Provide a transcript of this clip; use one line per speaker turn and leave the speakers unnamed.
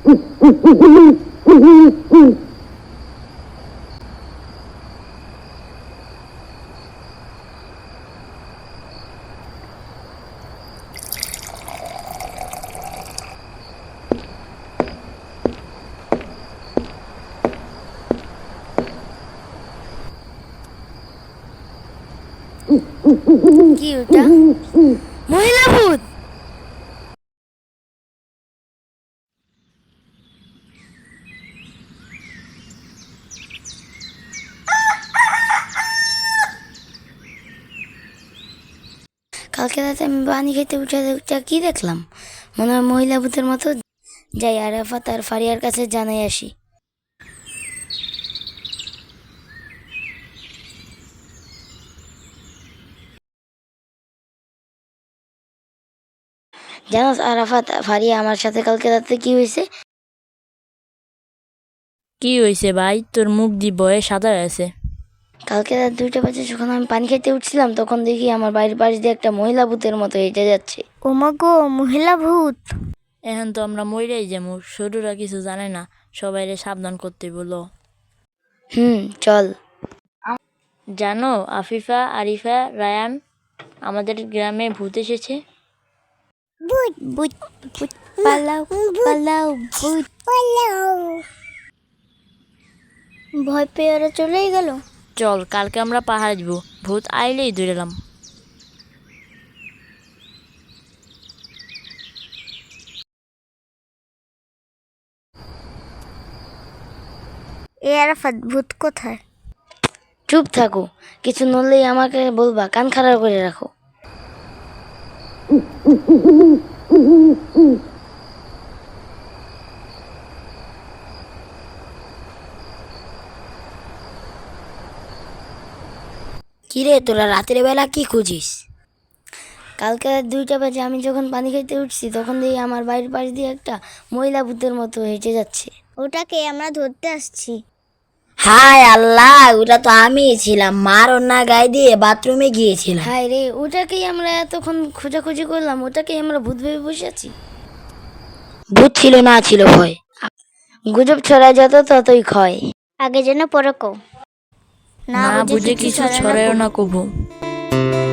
কি ওটা? মহিলা ভূত। কালকে রাতে আমি পানি খেতে উঠে কি দেখলাম? মনে হয় মহিলা ভূতের মতো। যাই আরাফাত আর ফারিয়ার কাছে জানাই আসি। জানোস আরাফাত, ফারিয়া, আমার সাথে কালকে রাতে কি হয়েছে?
কি হয়েছে ভাই? তোর মুখ দি বয়ে সাদা আছে।
কালকে রাত 2টা বাজে যখন আমি পানি খেতে উঠছিলাম, তখন দেখি আমার বাড়ির পাশ দিয়ে একটা মহিলা ভূতের মতো হেঁটে যাচ্ছে।
ওমা গো, মহিলা ভূত!
এখন তো আমরা মইরাই যাবো, ছোটরা কিছু জানে না, সবাইরে সাবধান করতে বলো।
চল।
জানো আফিফা, আরিফা, রায়ান, আমাদের গ্রামে ভূত এসেছে।
ভূত ভূত ভূত পালাও পালাও, ভূত পালাও! ভয় পেয়ে ওরা চলেই গেল।
চল কালকে আমরা পাহাড় যাব, ভূত আইলেই ধরেলাম।
এ আরাফাত, ভূত কোথায়?
চুপ থাকো, কিছু নড়লেই আমাকে বলবা, কান খাড়া করে রাখো। কিরে, তোরা রাতের বেলা কি খুঁজিস? কালকে রাত 2টা বাজে আমি যখন পানি খেতে উঠছি, তখন দেখি আমার বাড়ির পাশ দিয়ে একটা মহিলা ভূতের মতো হেঁটে যাচ্ছে।
ওটাকে আমরা ধরতে আসছি।
হায় আল্লাহ, ওটা তো আমি ছিলাম। মার ওনা গায়ে দিয়ে বাথরুমে গিয়েছিলাম।
হায় রে, ওটাকেই আমরা এতক্ষণ খোঁজাখুঁজি করলাম, ওটাকেই আমরা ভূত ভেবে বসে আছি।
ভূত ছিল না, ছিল ভয়।
গুজব ছড়ায় যত ততই ক্ষয়।
আগে যেন পরে কও।
না বুঝে কিছু ছড়ায় না কবু।